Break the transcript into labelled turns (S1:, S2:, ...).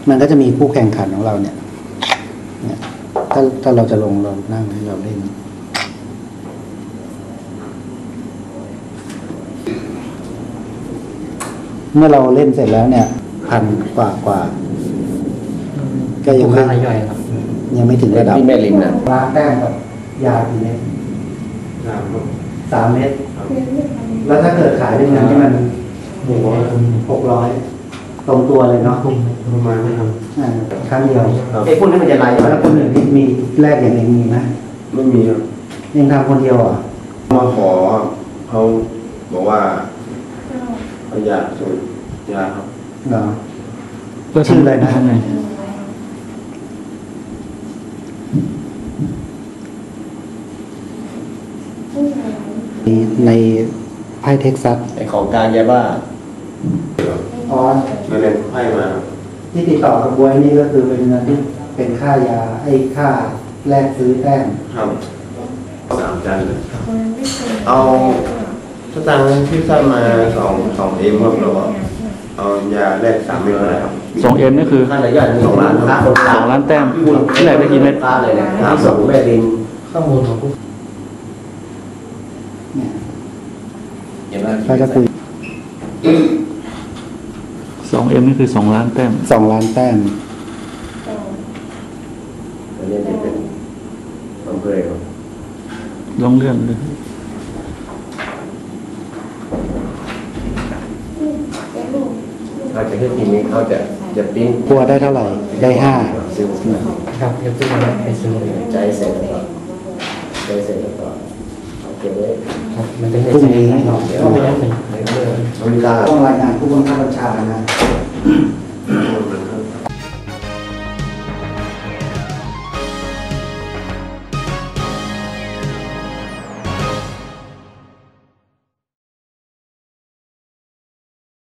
S1: มันก็จะมีคู่แข่งขันของเราเนี่ยถ้าเราจะลงเรานั่งให้เราเล่นเมื่อเราเล่นเสร็จแล้วเนี่ย1,000 กว่าก็ยังไม่ย่อยครับยังไม่ถึงระดับ
S2: ที่แม่ริมนะ
S1: ล้างแต้มกับยากี่เม็ด3 เม็ดแล้วถ้าเกิดขายเป็นเงินที่มัน600ตรงตัวเลยเนาะประมาณนั้นครั้งเดียว
S2: ไอ้พวกนี้มันจะลาย
S1: แล้วคนอื่นที่มีแรกอย่างเองมีไหม
S2: ไม่มีครับ
S1: เองทำคนเดียวอ่ะ
S2: มาขอเขาบอกว่าเขาอยากสูบยาครับ
S1: เหรอก็ชื่ออะไรนะในไพ่เท็กซัส
S2: ไอ้ของกลางยาบ้า
S1: อ๋อ
S2: ไม่เล่นไพ่มา
S1: ที่ติดต่อกับบวยนี่ก็คือเป็นเงินที่เป็นค่ายาค่าแลกซื้อแต้ม
S2: ครับ3 จานเลยเอาสตางค์ที่สร้างมา2 เอ็มครับเราเอายาแลก3 เม็ดอะไรครับ
S3: 2 เอ็มนี่คือ
S2: ค่าระยะ2 ล้านครับ
S3: 2 ล้านแต้มที่แรกได้กี่เม็ด
S2: เลยนะส่งแม่ดิน
S1: ข้อมูลของผู้
S2: เขาจะคุย
S3: 2 เอ็มนี่คือ2 ล้านแต้ม
S1: 2 ล้านแต้ม
S2: อันนี้เป็นอำเภอ
S3: ลองเลื่อนเลย
S2: เขาจะให้ทีนี้เขาจะปิ้ง
S1: กลัวได้เท่าไหร่ได้5
S2: ครับจะปิ้งแล้วไปซื้อใจเสร็จแล้วใจเสร็จแล้วก็เอาเก็บไว้
S1: มันจะพรุ่งนี้ก็ไม่ได้เป็น
S2: อเมริกา
S1: ต้องรายงานผู้บังคับบัญชานะ